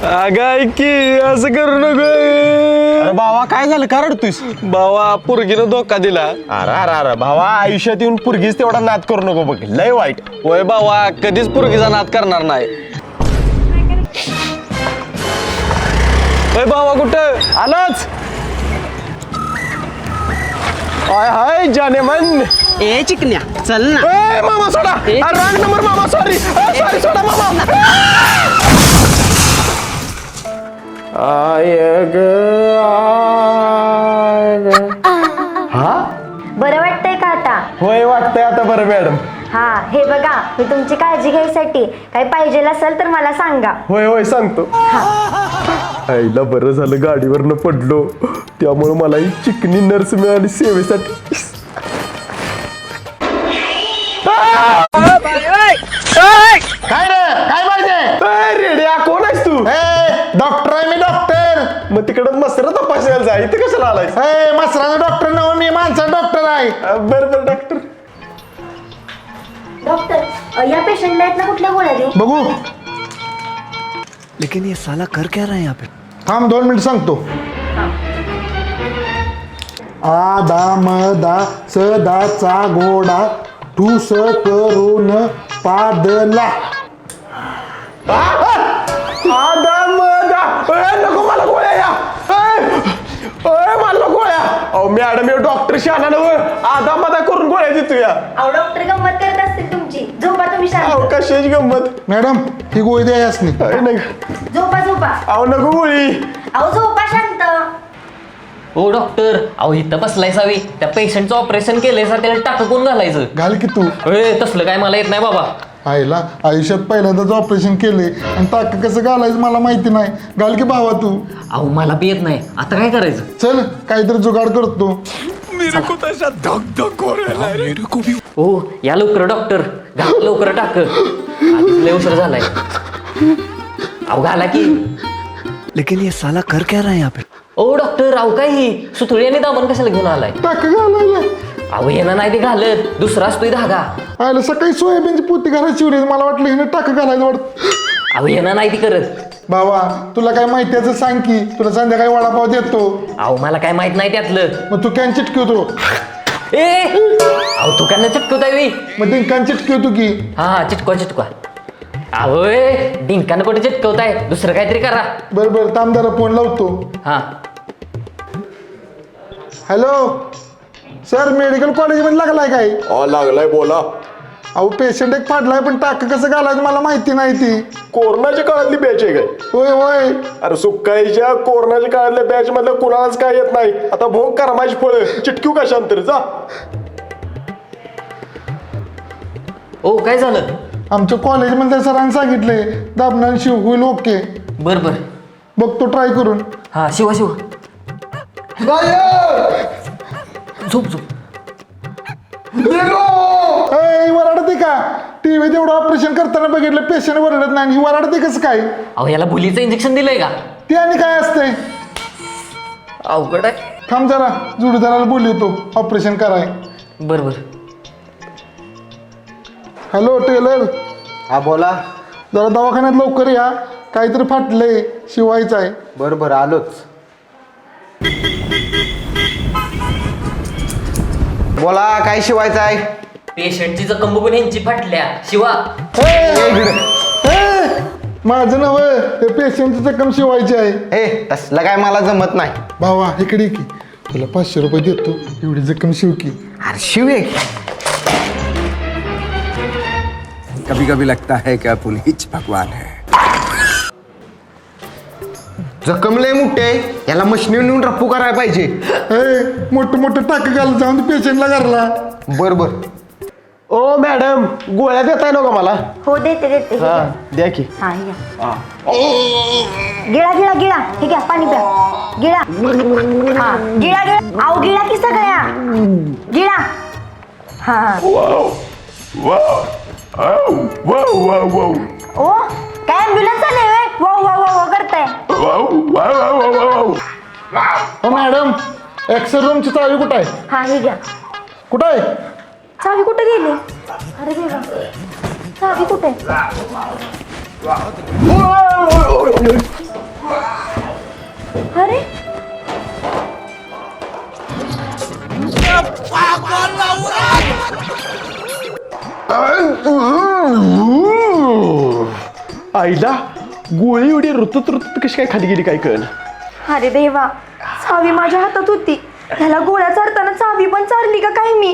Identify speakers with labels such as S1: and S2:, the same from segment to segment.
S1: अगं की असं करू नको.
S2: अरे भावा काय झालं का रडतोयस?
S1: भावा पोरगीनं धोका दिला.
S2: अरे अरे अरे भावा आयुष्यात येऊन पुरगीच तेवढा नाद करू नको बघ, लय वाईट.
S1: होय भावा कधीच पोरगीचा नाद करणार नाही. होय भावा कुठं
S2: आलाच. हाय हाय जाने मन.
S3: ए चिकन्या चल ना.
S2: ए मामा सोडा. रॉंग नंबर मामा, सॉरी सॉरी, सोडा मामा. हा
S4: बरं वाटतंय का आता?
S2: होय वाटतंय आता बरं मॅडम.
S4: हा हे बघा, मी तुमची काळजी घ्यायसाठी काही पाहिजे असेल तर मला सांगा.
S2: होय होय सांगतो. आईला बरं झालं गाडीवरनं पडलो, त्यामुळे मला ही चिकनी नर्स मिळाली सेवेसाठी. काय रे काय पाहिजे? रेड्या कोण आहेस तू? डॉक्टर आहे मी, डॉक्टर. मग तिकडं मसर तपासायला जा, इथे कशाला आलायस? मसराचा डॉक्टर नव्हे मी, माणसाचा डॉक्टर आहे. बरं बरं डॉक्टर.
S4: डॉक्टर या पेशंटला आहेत ना कुठल्या गोळ्या देऊ?
S5: बघू.
S6: लेकिन ये साला कर क्या रहा है यहाँ पे?
S5: थांब 2 मिनिट सांगतो. आदा मदा सदाचा घोडा ठूस करून पादला.
S2: नको मला गोळ्या या. मला गोळ्या. अहो मॅडम हे डॉक्टर शहाणा नव्ह, आधा मधा करून गोळ्या देतो या.
S4: अहो डॉक्टर गंमत करत असतील तुमची. झोपा तुम्ही शांत.
S2: अहो कशाची गंमत.
S5: मॅडम ही गोळी द्या यासनी.
S4: झोपा झोपा.
S2: अहो नको गोळी.
S4: अहो झोपा शांत.
S7: हो डॉक्टर, अहो इथं बसलाय सावी, त्या पेशंटचं ऑपरेशन केलंय सर, त्याला टाकून घालायचं.
S5: घाल की तू.
S7: तसलं काय मला येत नाही बाबा.
S5: आईला आयुष्यात पहिल्यांदाच ऑपरेशन केले आणि टाक कसं घालायचं मला माहिती नाही. घाल की भावा तू.
S7: अहो मला बी येत नाही, आता काय करायचं?
S5: चल काहीतरी जुगाड करतो.
S7: हो या लवकर डॉक्टर, घाल लवकर टाक, आधीच लय उशीर झालाय. अहो घाला की.
S6: लेकिन ये साला कर क्या रहा है यहाँ पे?
S7: ओ डॉक्टर, अहो काय ही सुतळी आणि दामन कशाला घेऊन आलाय?
S5: टाक घालायला.
S7: अहो येणं नाही ते घालत, दुसरा असतोय धागा.
S5: आयला सकाळी सोयाबीनची पोती घालायची शिवली, मला वाटलं हिने टाक घालायला वाटत.
S7: अहो येणं नाही ती करत.
S5: बाबा तुला काय माहिती याचं सांग की, तुला संध्याकाळी वडापाव देतो.
S7: अहो मला काय माहित नाही त्यातलं.
S5: मग तू कॅन चिटकवतो.
S7: अहो तू काय चिटकवताय?
S5: मग ते कॅन चिटकवतो की.
S7: हा चिटकवा चिटकवा. अहो डिंकानं कुठे चिटकवताय, दुसरं काहीतरी करा.
S5: बरं बरं थांब जरा फोन लावतो.
S7: हा
S5: हॅलो सर, मेडिकल कॉलेजमध्ये लागलाय काय?
S2: लागलाय बोला.
S5: अहो पेशंट एक पडलाय पण टाक कसं घालायचं मला माहिती नाही ती.
S2: कोरोनाच्या काळातली बॅच आहे काय?
S5: होय होय.
S2: अरे सुकाईच्या कोरोनाच्या काळातल्या बॅच मधल्या कुणालाच काय येत नाही. आता भोग करा माझी फळ, चिटक्यू कशांतर जा.
S7: ओ काय झालं?
S5: आमच्या कॉलेजमधल्या सरांनी सांगितले दाबणार शिव होईल ओके.
S7: बर बर
S5: बघतो ट्राय करून.
S7: हा शिवा शिवा. झोप झोप.
S5: वराडते का? टीव्ही तेवढं ऑपरेशन करताना बघितलं पेशंट वरडत नाही, ही वराडते कसं काय?
S7: अहो याला भुलीचं इंजेक्शन दिलंय का?
S5: ते आणि काय असतंय?
S7: अवघड आहे.
S5: थांब जरा जोडीदाराला बोलवतो ऑपरेशन कराय.
S7: बर बर.
S5: Hello tailor.
S8: हा बोला.
S5: जरा दवाखान्यात लवकर या, काहीतरी फाटलंय शिवायचं आहे.
S8: बरं बरं आलोच. बोला काय शिवायचं आहे?
S7: पेशंटची जखम बघून ह्यांची फाटल्या. शिवा.
S5: माझं नव हे पेशंटची जखम शिवायची आहे.
S8: ए तसलं काय मला जमत नाही.
S5: भावा इकडे की, तुला 500 रुपये देतो, एवढी जखम शिव की.
S8: अरे शिव एक.
S6: कभी कभी लगता है कि अपुन हिच भगवान है.
S8: जखम लय मोठे आहे, याला मशनीवर नेऊन रप्पू करायला पाहिजे.
S5: मोठं मोठं टाक घाल जाऊन पेशंटला घरला.
S8: बर बर.
S2: ओ मॅडम गोळ्या देताय ना का मला?
S4: हो देते देते.
S2: हा द्या की.
S4: हा हे घ्या. गिळा गिळा गिळा. हे घ्या पाणी प्या. गिळा. हा गिळा गिळा. अहो गिळा की सगळ्या. गिळा. हा ओ काय ॲम्ब्युलन्स आले होय? वाव वाव वाव करताय.
S5: हो मॅडम, एक्सरे रूमची चावी कुठं आहे?
S4: हा हे घ्या.
S5: कुठं आहे?
S4: चावी कुठे गेली? अरे देवा, चावी कुठे? अरे
S2: आईला गोळी एवढी रुतत रुतत कशी काय खाली गेली काय कळ.
S4: अरे देवा, चावी माझ्या हातात होती. ह्याला गोळ्या चारताना चावी पण चारली का काय मी?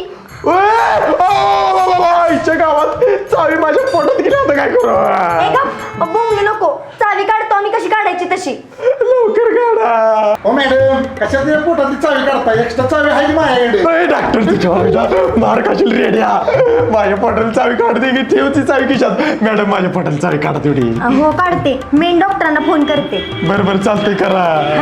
S2: आईच्या गावात चावी माझ्या पोटात गेली, आता काय करू.
S4: ए गप, बोंबलू नको. चावी काढतो आम्ही कशी काढायची तशी.
S2: लवकर काढा.
S5: हो मॅडम, कशात त्या पोटातली चावी काढताय? एक्स्ट्रा चावी आहे की माझ्याकडे?
S2: डॉक्टर तुझ्या मार खाशील रेड्या. माझ्या पोटाला चावी काढते की ठेवची चावी खिशात. मॅडम माझ्या पोटाला चावी काढा तेवढी.
S4: हो काढते. मेन डॉक्टरांना फोन करते.
S2: बरं चालतंय करा.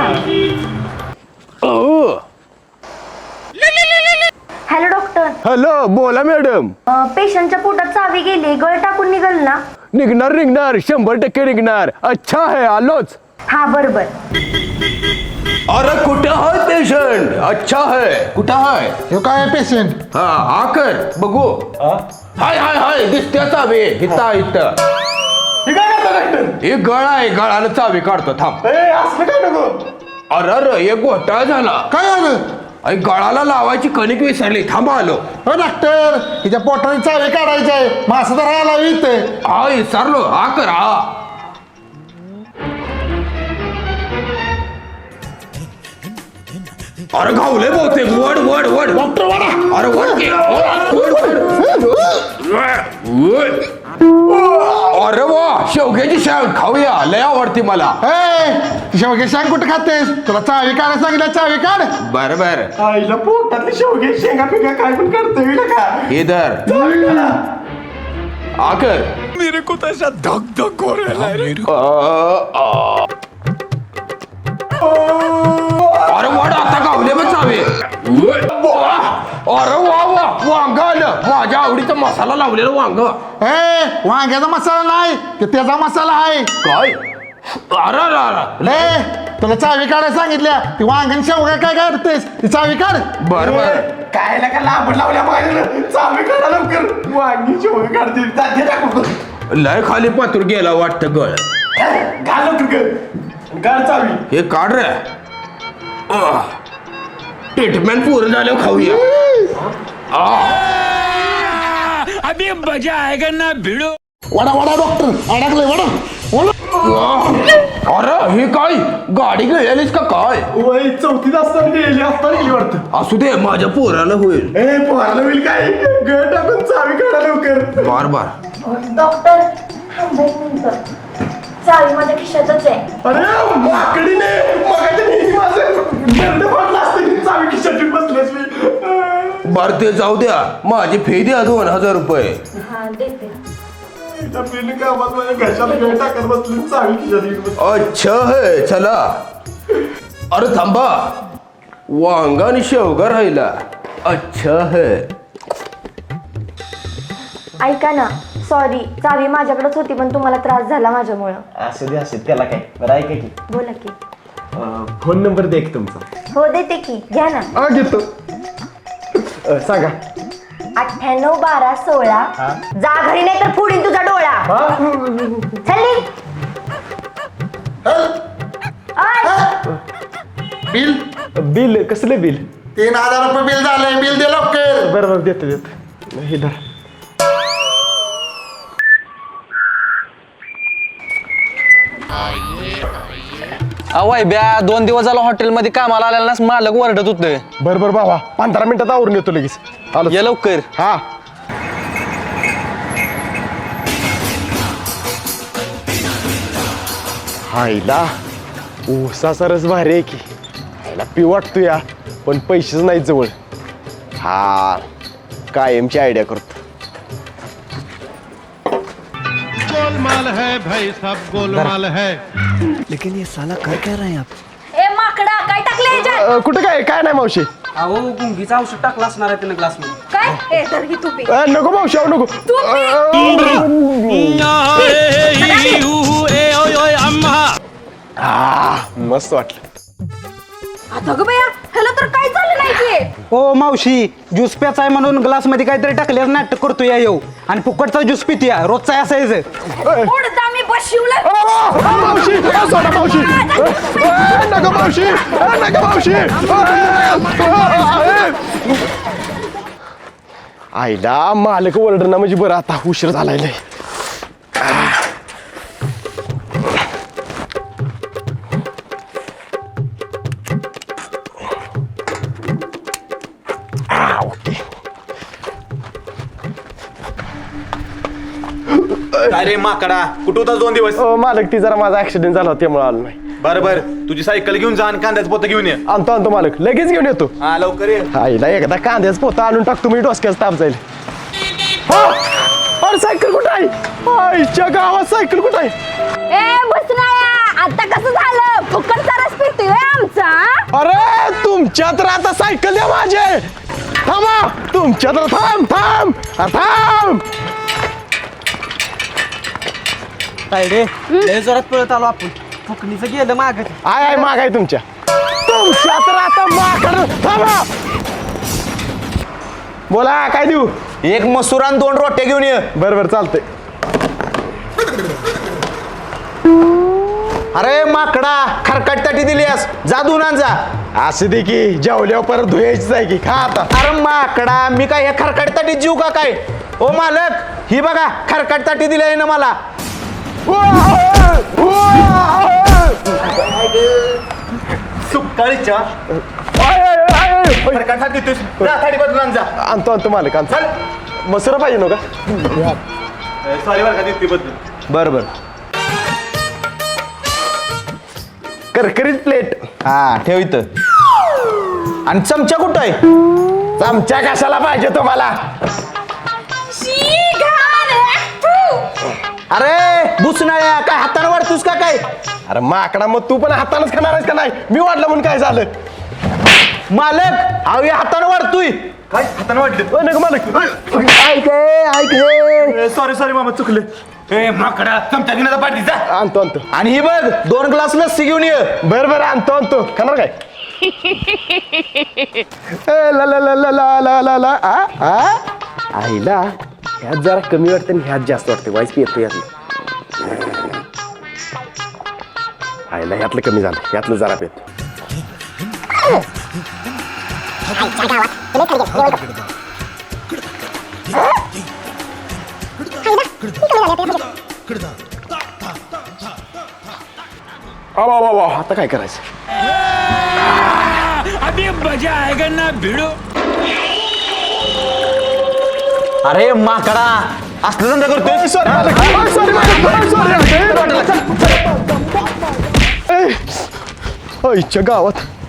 S4: Hello doctor.
S1: हॅलो, बोला मॅडम.
S4: पेशंटच्या पोटात चावी गेली, गळ टाकून निघल ना?
S1: निघणार 100% निघणार. अच्छा है, आलोच.
S4: हा बरोबर.
S6: अरे कुठं है पेशंट? अच्छा है, कुठं है?
S5: हे काय पेशंट?
S6: हा आकर बघू. हाय हाय हाय, दिसते चावी इथं इथं.
S2: हे काय करता डॉक्टर?
S6: हे गळा आहे, गळानं चावी काढतो थांब.
S2: असलं काय नको.
S6: अरे एक घोटाळा झाला.
S5: काय झालं?
S6: अरे गळाला लावायची कणिक विसरली, थांबा आलो.
S5: हो डॉक्टर, तिच्या पोटाने चावी काढायची आहे. मासा तर राहायला इथे.
S6: हा विसरलो, हा कर हा. अरे घावले बहुतेक. वड वड वड डॉक्टर वडा. अरे वड की. वड. अरे वा, शेवग्याची शाळ खाऊया, लय आवडती मला.
S5: शेवगे सांग कुठं खातेस? तुला चावी काढायला सांगितलं, चावी काढ.
S6: बर बर.
S2: आईला पोटातली शेवगे शेंगा पिंगा काय पण करतोय का.
S6: हे धर. आकर.
S1: मेरे को तो ऐसा धक धक हो रहा है.
S6: अरे वड आता गावले पण चावे. अरे वा वा, वांग आलं. माझ्या आवडीचा मसाला लावलेला वांग.
S5: वांग्याचा मसाला नाही, ते त्याचा मसाला आहे.
S6: काय? अरे अरे
S5: तुला चावी काढायला सांगितल्या. ती वांगण शेवगा काय करतेस? ती चावी काढ.
S6: बर बर.
S2: काय का लांबड लावल्या माझ्या. चावी काढा लवकर. वांगी शेवगे काढते. जाते टाकू.
S6: लय खाली पातूर गेला वाटतं गळ.
S2: घाल लवकर. काढ चावी.
S6: हे काढ रे. ट्रीटमेंट पूर्ण झाल्यावर खाऊया.
S1: अभी मजा आएगा ना भिड़ो.
S5: वडा वडा डॉक्टर अडकलंय वडा.
S6: अरे हे काय, गाडी गिळलेलीस का काय?
S2: वय 4थीत असताना गेली वाटतं.
S6: असू दे, माझ्या पोराला होईल.
S2: पोहायला होईल काय. गळ टाकून चावी काढा लवकर.
S6: बार बार.
S4: डॉक्टर थांबा एक मिनिटं. चावी माझ्या खिशातच आहे.
S2: अरे माकडीने मगाच्या नेहमी माझं दंड फाटला असतं की चावी खिशात बसलेस मी.
S6: बर ते जाऊ द्या, माझी फी द्या 2000 रुपये.
S4: हा देते.
S2: बिल कामात माझ्या घशाला गळ टाकत बसली, चावी खिशात.
S6: अच्छा है, चला. अरे थांबा, वांगा आणि शेवगा राहिला. अच्छा है.
S4: ऐका ना, सॉरी, चावी माझ्याकडेच होती पण तुम्हाला त्रास झाला माझ्यामुळं.
S2: असं त्याला काय. बरं ऐका की,
S4: बोला की.
S2: फोन नंबर दे तुमचा.
S4: हो देते की, घ्या ना.
S2: घेतो. सांगा.
S4: 98 12 16. जा घरी नाही तर फोडीन तुझा डोळा. चल.
S5: बिल
S2: बिल कसलं बिल?
S5: 3000 रुपये बिल झालंय. बिल दे लवकर.
S2: बरोबर देतो. हे धर.
S1: अवाय ब्या 2 दिवस झाला हॉटेलमध्ये कामाला आलेला ना, मालक वरडत होते.
S2: बरोबर बाबा, 15 मिनिटात आवरून येतो लगेच. आलो.
S1: ये लवकर.
S2: हा. हायला ऊसाचा रस भारी आहे की. हायला पिऊ वाटतो या, पण पैसेच नाहीत जवळ. हा कायमची आयडिया करतो.
S9: गोलमाल है भाई, सब गोलमाल है.
S4: ए माकडा, काय टाकले ह्याच्यात?
S2: कुठं काय काय नाही मावशी.
S3: अहो गुंगीचा औषध टाकला असणार आहे त्यानं ग्लास मध्ये.
S4: काय? ए तर ही तू पी.
S2: नको मावशी, नको. मस्त वाटलं.
S4: आता ग बया, ह्याला तर काय झालं नाही की.
S3: ओ मावशी, ज्यूस प्याचा आहे म्हणून ग्लास मध्ये काहीतरी टाकल्यावर नाटक करतो या येऊ आणि फुकटचा ज्यूस पितूया. रोजचा असायचं.
S4: उडता मी बशिवलं.
S2: मावशी सोडा मावशी. नका मावशी नका मावशी आईला मालक ओरडणं म्हणजे बरं आता उशीर झालाय लय.
S10: अरे माकडा कुठं होता 2 दिवस?
S2: मालक ती जरा माझा ऍक्सिडेंट झाला होता त्यामुळे आलो नाही.
S10: बरं तुझी सायकल घेऊन जा आणि कांद्याचं पोतं घेऊन ये.
S2: आणतो मालक लगेच घेऊन येतो.
S10: हा लवकर ये.
S2: आईला एकदा कांद्याच पोता आणून टाकतो मी डोसक्याच ताप जाईल. अरे सायकल कुठं आहे? आईच्या गावात सायकल कुठं आहे?
S4: ए बसनाया आता कसं झालं फुकटचा रस पितोय आमचा
S2: अरे तुमच्या तर आता सायकल द्या माझे. थांबा तुमच्या तर थांब थांब थांब.
S3: काय रे लय जोरात पळत आलो आपण फुकणीचं गेलं माग
S2: आय मागाय तुमच्या तर आता माकड. थांबा बोला काय देऊ?
S10: 1 मसूर आणि 2 रोट्या घेऊन ये.
S2: बरं चालतंय.
S10: अरे माकडा खरकट ताटी दिलीस जा धुवून आण जा.
S2: असं दे की जेवल्यावर परत धुयायचीच आहे की खा आता.
S10: अरे माकडा मी काय ह्या खरकट ताटी जीव का काय? ओ मालक ही बघा खरकट ताटी दिली आहे ना मला. सुकाळीच्या थाळी बदलून आण जा.
S2: आणतो मालक आणतो. मसुरा पाहिजे नका.
S10: सॉरी बरं का देते बदलून.
S2: बरं करकरीत प्लेट.
S10: हा ठेव इथं. आणि चमचा कुठं आहे?
S2: चमचा कशाला पाहिजे तुम्हाला?
S10: अरे बुसनाळ्या काय हाताने वाढतोस का काय?
S2: अरे माकडा मग तू पण हातानच खाणार आहेस का नाही? मी वाढलं म्हणून काय झालं?
S10: मालक अहो हाताने वाढतोय. काय हाताने वाढले?
S2: नका मालक.
S10: ऐक सॉरी मामा चुकले. ए माकडा चमचा दिनाचा पाठी जा.
S2: आणतो
S10: आणि ही बघ 2 ग्लास लस्सी घेऊन ये.
S2: बरं आणतो खाणार काय? ला ला ला ला ला ला ला ला आईला ह्यात जरा कमी वाटतं आणि ह्यात जास्त वाटतं. वाईस येतो यातलं. आईला ह्यातलं कमी झालं ह्यातलं जरा पेत. आता काय करायचं?
S10: अरे माकडा असलं धंदा करतोय.
S2: आईच्या गावात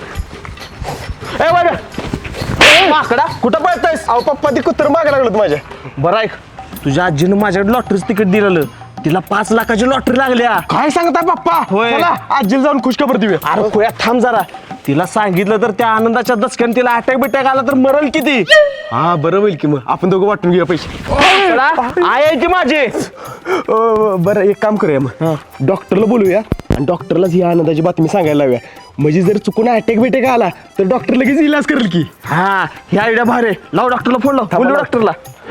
S2: ए बघा
S10: माकडा कुठं पळतोयस?
S2: अहो पप्पा ती कुत्र मागे लागलं माझ्या.
S10: बरं ऐक तुझ्या आजीनं माझ्याकडे लॉटरीचं तिकीट दिलेलं. तिला 5 लाखाची लॉटरी लागल्या.
S2: काय सांगता पप्पा?
S10: होय.
S2: चला आजीला जाऊन खुशखबर देऊया.
S10: अरे खोया थांब जरा. तिला सांगितलं तर त्या आनंदाच्या दचक्याने तिला अटॅक बिटॅक आला तर मरल किती.
S2: हा बरं होईल की मग आपण दोघं वाटून घेऊया पैसे.
S10: आय आहे की माझे.
S2: बरं एक काम करूया मग डॉक्टरला बोलूया आणि डॉक्टरलाच ही आनंदाची बातमी सांगायला लावूया. म्हणजे जर चुकून अटॅक बिटॅक आला तर डॉक्टर लगेच इलाज करेल की.
S10: हा ही आयडिया भारी. लाव डॉक्टरला फोन लाव. बोलू डॉक्टरला.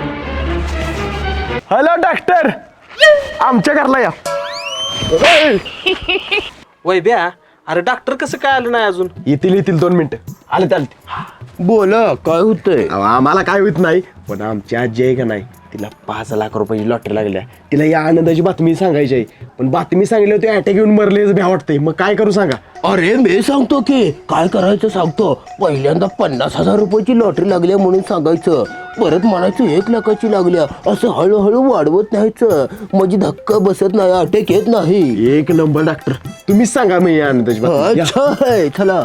S2: हॅलो डॉक्टर आमच्या घरला या.
S3: वय ब्या अरे डॉक्टर कसं काय आलं नाही अजून?
S2: येतील 2 मिनिटं. आले चालते.
S6: बोल काय होतंय?
S2: आम्हाला काय होत नाही पण आमची आजी आहे का नाही तिला 5 लाख रुपयाची लॉटरी लागल्या. तिला या आनंदाची बातमी सांगायची आहे पण बातमी सांगितली होती अटॅक येऊन मरले भ्या वाटतंय. मग काय करू सांगा?
S6: अरे मी सांगतो की काय करायचं सांगतो. पहिल्यांदा 50,000 रुपयाची लॉटरी लागल्या म्हणून सांगायचं. परत म्हणायचं 1 लाखाची लागल्या. असं हळूहळू वाढवत न्यायचं म्हणजे धक्का बसत नाही अटॅक येत नाही.
S2: एक नंबर डॉक्टर तुम्हीच सांगा मी या आनंदाची बातमी. या.
S6: अच्छा आहे चला.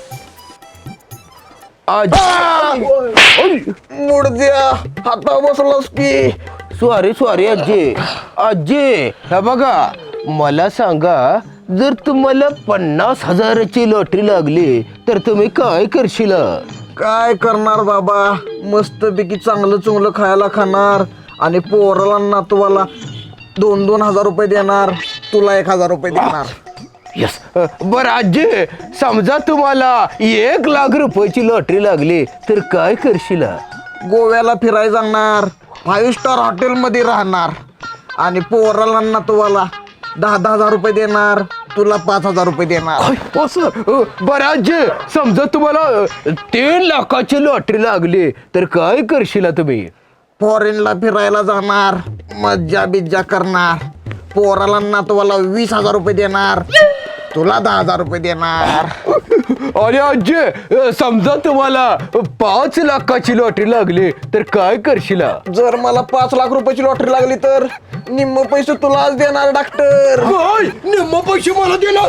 S6: मुडद्या हाता बसलास की. सॉरी आजी हे बघा मला सांगा जर तुम्हाला 50,000ची लॉटरी लागली तर तुम्ही काय करशील?
S3: काय करणार बाबा मस्तपैकी चांगलं खायला खाणार आणि पोराला नातवाला 2-2 हजार रुपये देणार. तुला 1,000 रुपये देणार.
S6: यस बरं आजी समजा तुम्हाला 1 लाख रुपयाची लॉटरी लागली तर काय करशील?
S3: गोव्याला फिरायला जाणार 5 स्टार हॉटेलमध्ये राहणार आणि पोराला नातवाला 10,000 रुपये देणार, तुला 5,000 रुपये देणार.
S6: असं बरं आजी, समजा तुम्हाला 3 लाखाची लॉटरी लागली तर काय करशील तुम्ही?
S3: फॉरेनला फिरायला जाणार, मज्जा बिज्जा करणार, पोराला नातवाला 20,000 रुपये देणार, तुला 10,000 रुपये देणार.
S6: अरे आजी, समजा तुम्हाला 5 लाखाची लॉटरी लागली तर काय करशील?
S3: जर मला 5 लाख रुपयाची लॉटरी लागली तर निम्म पैसे तुलाच देणार डॉक्टर.
S6: काय निम्म पैसे मला देणार?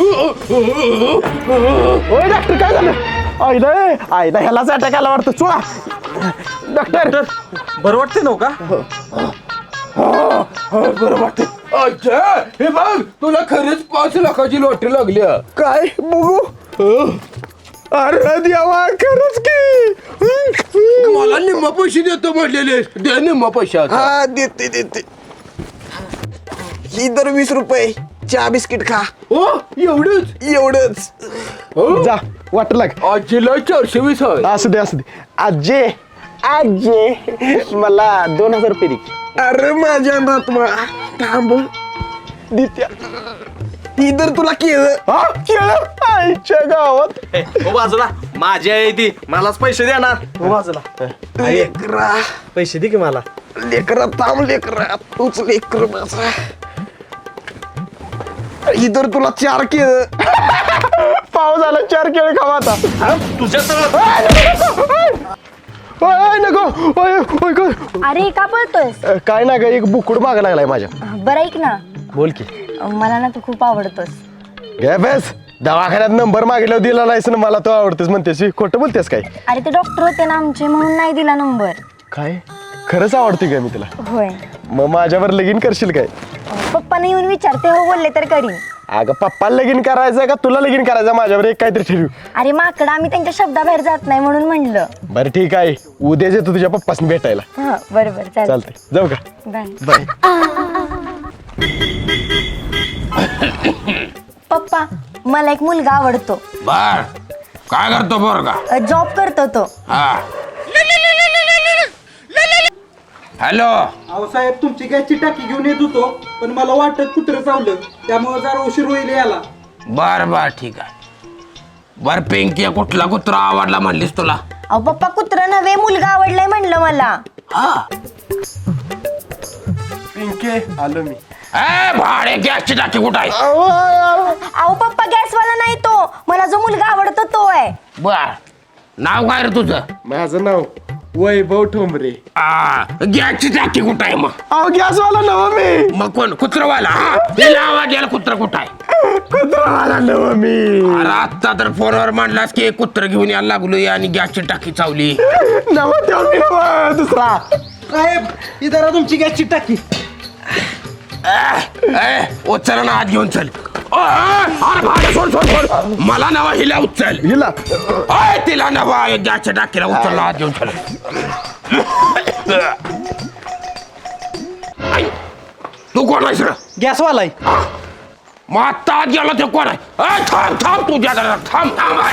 S2: ओय डॉक्टर काय झालं? आईला ह्यालाच अटॅक आला वाटतं. चोळा डॉक्टर.
S10: बरं वाटते नव का?
S6: बरं वाटतं. अच्छा, हे बघ तुला खरंच 5 लाखाची लॉटरी लागली.
S3: काय बघू?
S2: अरे देवा, खरंच की.
S6: मला निम्म पैसे देतो म्हटलेले, दे निम्म पैसे आता.
S3: हा देते. ही दर 20 रुपये, चहा बिस्किट खा.
S6: हो एवढंच?
S3: एवढंच.
S2: जा वाट लाग.
S6: आजीला 420 आहे.
S2: असू दे आजे मला 2,000 रुपये दे.
S3: अरे माझ्या नातवा थांब.
S2: दित्या.
S3: ही दर तुला केलं.
S2: हा केलं आईच्या गावात.
S10: हो बाजूला, माझी आहे ती, मलाच पैसे देणार. हो बाजूला,
S3: लेकरा
S10: पैसे दे की मला.
S3: लेकरा थांब लेकरा, तूच लेकर माझा. ही दर तुला 4 केलं.
S2: पाव झाला 4 केळ खावा आता.
S10: तुझ्या
S2: नको.
S4: अरे का पळतोयस?
S2: काय ना ग, एक बुकुड मागा लागलाय माझ्या.
S4: बरं ऐक ना,
S2: बोल की.
S4: मला ना तू खूप आवडतोस.
S2: गे बेस, दवाखान्यात नंबर मागितल्यावर दिला नाहीस ना मला. तो आवडतेस म्हणतेस, खोटं बोलतेस काय?
S4: अरे ते डॉक्टर होते ना आमचे, म्हणून नाही दिला नंबर.
S2: काय खरंच आवडते का मी तुला?
S4: होय.
S2: मग माझ्यावर लगीन करशील काय?
S4: पप्पाने येऊन विचारते, हो बोलले तर करीन.
S2: अगं पप्पाला लगीन करायचं का तुला लगीन करायचं? माझ्यावर एक काहीतरी ठरवू.
S4: अरे माकडा, आम्ही त्यांच्या शब्दाबाहेर जात नाही म्हणून म्हणलं.
S2: बरं ठीक आहे, उद्याच येतो तुझ्या पप्पासनी भेटायला.
S4: हा बरोबर, चालतंय.
S2: चालतंय, जाऊ का?
S4: बाय. पप्पा, मला एक मुलगा आवडतो.
S6: बर, काय करतो पोरगा?
S4: जॉब करतो तो.
S6: हॅलो.
S10: अहो साहेब, तुमची गॅसची टाकी घेऊन येत होतो, पण मला वाटत कुत्रं चावलं, त्यामुळे जरा उशीर होईल याला.
S6: बर ठीक आहे. बर पिंकी, कुठला कुत्रा आवडला म्हणलीस तुला?
S4: अहो पप्पा, कुत्रा नव्हे, मुलगा आवडलाय म्हणलं मला.
S2: पिंके आलो मी.
S6: भाडे गॅसची टाकी कुठं आहे?
S4: अहो पप्पा, गॅसवाला नाही तो, मला जो मुलगा आवडतो तो आहे.
S6: बर, नाव काय रे तुझं?
S2: माझं नाव वैभव ठोंबरे.
S6: गॅसची टाकी कुठं आहे मग?
S2: अहो गॅसवाला नव मी.
S6: मग कोण? कुत्रवाला? तिला आवाज यायला कुत्रा कुठं आहे?
S2: कुत्रावाला नव मी.
S6: अरे आत्ता तर फोनवर म्हणलास की कुत्र घेऊन यायला लागलोय आणि गॅसची टाकी चावली.
S2: नव त्यो मी नव, दुसरा.
S10: साहेब, ही जरा तुमची गॅसची टाकी.
S6: उचल ना, हात घेऊन चल. अरे भाडे सोड. मला नवा हिला उचल.
S2: हिला
S6: तिला नवा गॅसच्या टाकीला उचलला, हात घेऊन चल. तू कोण आहेस रे?
S10: गॅसवाला आहे.
S6: मग आत्ता आत गेला ते कोण आहे? थांब तुझ्या थांब.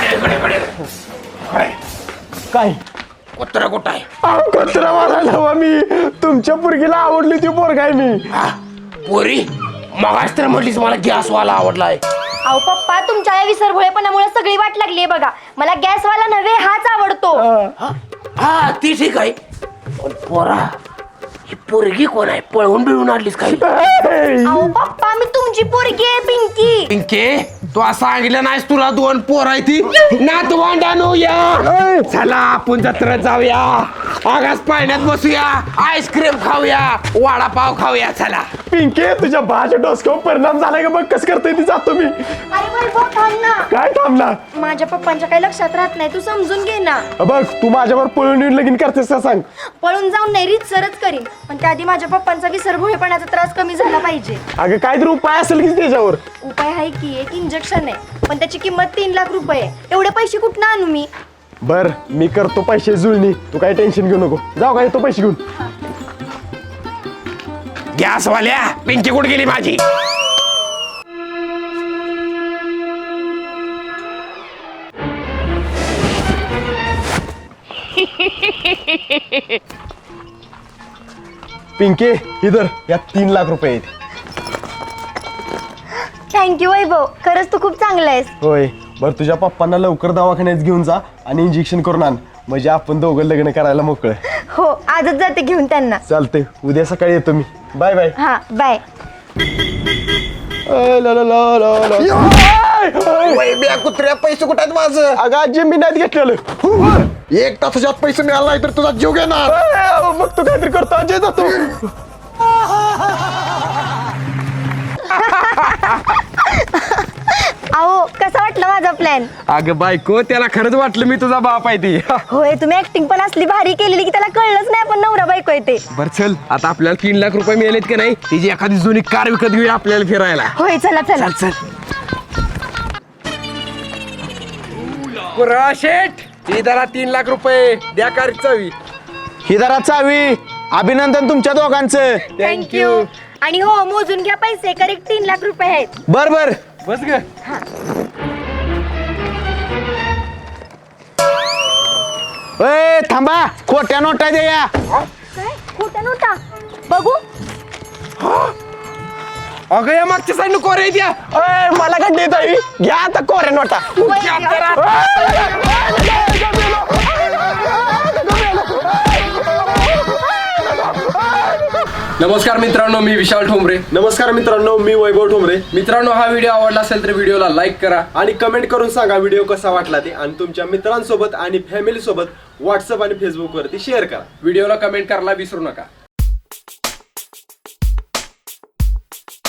S2: काय?
S6: कुत्रा कुठं आहे?
S2: अहो कुत्रावाला नव मी. तुमच्या पोरगीला आवडली ती पोरगा आहे मी.
S6: पोरी, मगाच तर म्हटलीस मला गॅसवाला आवडलाय.
S4: अहो पप्पा, तुमच्या या विसरभोळेपणामुळे सगळी वाट लागली बघा. मला गॅसवाला नव्हे, हाच आवडतो.
S6: हा ती ठीक आहे, पण पोरा ही पोरगी कोण आहे? पळवून बिळून आणलीस काही?
S4: अहो पप्पा, मी तुमची पोरगी आहे पिंकी.
S6: पिंके, तू सांगितलं नाहीस तुला 2 पोर आहे ती? नातवंडानो या, चला आपण जत्रेत जाऊया, आगास पाण्यात बसूया, आईस्क्रीम खाऊया, वडापाव खाऊया. चला.
S2: पिंके, तुझ्या भाच्या डोसक्यावर परिणाम झालाय का बघ कसं करतोय ती. जातो मी.
S4: अरे वैभव, थांब ना.
S2: काय थांबला?
S4: माझ्या पप्पांच्या काही लक्षात राहत नाही, तू समजून घे ना.
S2: बघ तू माझ्यावर पळून येऊन लगीन करतेस का सांग?
S4: पळून जाऊन नाही, सरच करीन, पण त्याआधी माझ्या पप्पांचा विसरभोळेपणाचा त्रास कमी झाला पाहिजे.
S2: अगं काहीतरी उपाय असेल की त्याच्यावर?
S4: उपाय आहे की, एक इंजेक्शन आहे, पण त्याची किंमत 3 लाख रुपये आहे. एवढे पैसे कुठनं आणू मी?
S2: बर, मी करतो पैसे जुळणी, तू काही टेन्शन घेऊ नको. जाऊ का, येतो पैसे घेऊन.
S6: गॅसवाल्या, पिंकी कुठे गेली माझी?
S2: पिंके, इधर या 3 लाख रुपये आहेत.
S4: थँक्यू वैभव, खरंच तू खूप चांगला आहेस.
S2: होय बरं तुझ्या पप्पांना लवकर दवाखान्यात घेऊन जा आणि इंजेक्शन करून आण म्हणजे आपण दोघं लग्न करायला मोकळं.
S4: हो आजच जाते घेऊन त्यांना.
S2: चालतंय उद्या सकाळी येतो मी. Bye bye.
S4: हा बाय.
S3: वैब्या कुत्र्या पैसे कुठे आहेत माझं?
S2: अगं आजी मी नाही घेतलेलं.
S3: एक तासाच्यात पैसे मिळाला नाही तर तुझा जीव घेणार.
S2: मग तू काहीतरी करतो अजय जातो.
S4: अहो कसा वाटला माझा प्लॅन?
S2: अगं बायको त्याला खरंच वाटलं मी तुझा बाप आहे ती.
S4: होय तुम्ही ऍक्टिंग पण असली भारी केलेली की त्याला कळलंच नाही आपण नवरा बायको आहे ते.
S2: बर चल आता आपल्याला 3 लाख रुपये मिळालेत की नाही तिची एखादी जुनी कार विकत घेऊया आपल्याला फिरायला.
S4: होय चला चला.
S2: शेठ ही जरा 3 लाख रुपये द्या कार चावी.
S10: ही जरा चावी. अभिनंदन तुमच्या दोघांचं.
S4: थँक्यू. आणि हो मोजून घ्या पैसे, करेक्ट 3 लाख रुपये आहेत.
S10: बर बर.
S2: बस ग.
S10: ए थांबा, खोट्या नोटा द्या.
S4: काय खोटा नव्हता बघू.
S2: अगं या मागच्या साईड कोरे द्या. मला का देत आहे घ्या आता कोरे नोटा.
S1: नमस्कार मित्रांनो, मी विशाल ठोंबरे.
S2: नमस्कार मित्रांनो, मी वैभव ठोंबरे.
S1: मित्रांनो, हा व्हिडिओ आवडला असेल तर व्हिडिओला लाईक करा
S2: आणि कमेंट करून सांगा व्हिडिओ कसा वाटला ते आणि तुमच्या मित्रांसोबत आणि फॅमिली सोबत व्हॉट्सअप आणि फेसबुक वरती शेअर करा.
S1: व्हिडिओला कमेंट करायला विसरू नका.